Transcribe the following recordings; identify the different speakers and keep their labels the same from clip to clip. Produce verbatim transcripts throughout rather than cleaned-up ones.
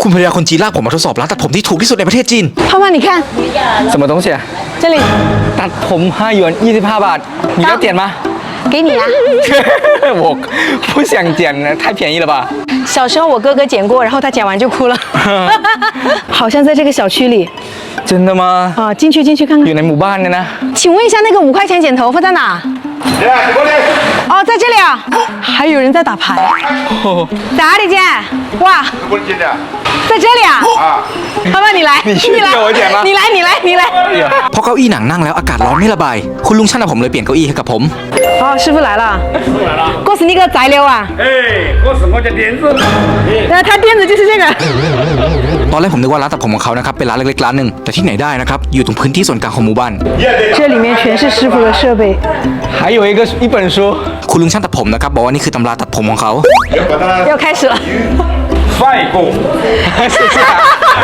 Speaker 1: คุณภรรยาคนจีนลากผมมาทดสอบร้านตัดผมที่ถูกที่สุดในประเทศจีน
Speaker 2: 胖胖，你看
Speaker 3: 什么东西啊？
Speaker 2: 这里，
Speaker 3: ตัดผมห้าหยวนยี่สิบห้าบาท你要剪吗？
Speaker 2: 给你啊。
Speaker 3: 我不想剪了，太便宜了吧？
Speaker 2: 小时候我哥哥剪过，然后他剪完就哭了。好像在这个小区里
Speaker 3: 真的吗？
Speaker 2: 啊，进去进去看看。
Speaker 3: อยู่ในหมู่บ้านเนี่ยนะ
Speaker 2: 请问一下，那个五块钱剪头发在哪？哦，在这里啊。还有人在打牌。在哪里剪？哇，
Speaker 4: 不是真的
Speaker 2: 在这里啊。
Speaker 4: 啊！
Speaker 2: 胖胖，你来，
Speaker 3: 你去
Speaker 2: 你来
Speaker 3: 给我剪吗，
Speaker 2: 你来，你来，你来。
Speaker 1: เพราะเก้าอี้หนังนั่งแล้วอากาศร้อนไม่ระบายคุณลุงช่างทำผมเลยเปลี่ยนเก้าอี้ให้กับผม
Speaker 2: 哦，师傅来了。过是那个材料啊。
Speaker 4: 哎，我是我的点子。
Speaker 2: 那他垫子就是这个。
Speaker 1: ตอนแรกผมนึกว่าร้านตัดผมของเขานะครับเป็นร้านเล็กๆร้านหนึ่งแต่ที่ไหนได้นะครับอยู่ตรงพื้นที่ส่วนกลางของหมู่บ้าน
Speaker 2: 这里面全是师傅的设备。
Speaker 3: 还有一个一本书
Speaker 1: คุณลุงช่างตัดผมนะครับบอกว่านี่คือตำราตัดผมของเขา
Speaker 4: 要把它
Speaker 2: 要开始了。
Speaker 4: 翻一个。
Speaker 3: 谢谢啊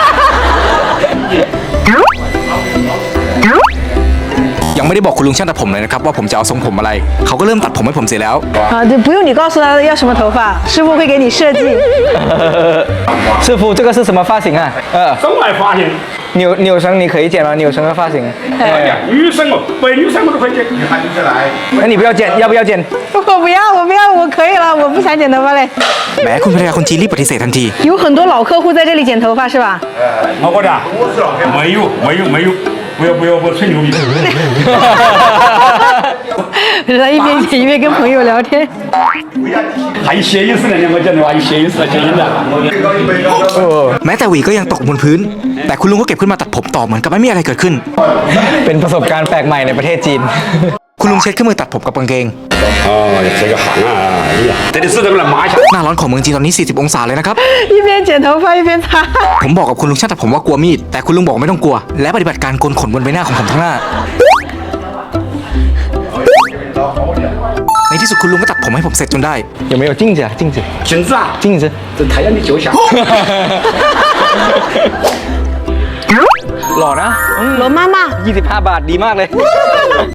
Speaker 1: ยังไม่ได้บอกคุณลุงช่างตัดผมเลยนะครับว่าผมจะเอาทรงผมอะไรเขาก็เริ่มตัดผมให้ผมเสร็จแล้ว
Speaker 2: 啊，对，不用你告诉他要什么头发，师傅会给你设计。
Speaker 3: 师傅这个是什么发型啊呃
Speaker 4: 中外发型，
Speaker 3: 扭扭绳你可以剪吗扭绳的发型
Speaker 4: 女生哦，白女生我都可以剪。你喊你来。
Speaker 3: 那你不要剪要不要剪
Speaker 2: 我不要，我不要，我可以了，我不想剪头发嘞。
Speaker 1: แม้คุณภรรยาคนจีนรีบปฏิเสธทันที
Speaker 2: 有很多老客户在这里剪头发是吧？
Speaker 4: 我过的。没有，没有，没有。不要不要，我吹牛逼。
Speaker 2: 他一边剪一边跟朋友聊天。
Speaker 4: 还有谐音似的，我讲的话有谐音似的，谐音的。
Speaker 1: แม้แต่หวีก็ยังตกบนพื้น แต่คุณลุงก็เก็บขึ้นมาตัดผมต่อเหมือนกับไม่มีอะไรเกิดขึ้น
Speaker 3: เป็นประสบการณ์แปลกใหม่ในประเทศจีน
Speaker 1: คุณลุงเช็ดเครื่องมือตัดผมกับกางเกง
Speaker 4: 哦，这个行啊，哎呀，这里是咱们来抹一下。
Speaker 1: หน้าร้อนของเมืองจีนตอนนี้ สี่สิบ องศาเลยนะครับ
Speaker 2: 一边剪头发一边擦。
Speaker 1: ผมบอกกับคุณลุงช่างตัดผมว่ากลัวมีด แต่คุณลุงบอกว่าไม่ต้องกลัว และปฏิบัติการโกนขนบนใบหน้าของผมทั้งหน้า ในที่สุดคุณลุงก็ตัดผมให้ผมเสร็จจนได้
Speaker 3: 有没有镜子啊镜子
Speaker 4: 镜子啊，
Speaker 3: 镜子
Speaker 4: 这太阳的脚下。
Speaker 3: หล่อนะ
Speaker 2: 罗妈妈，
Speaker 3: ยี่สิบห้าบาทดีมากเลย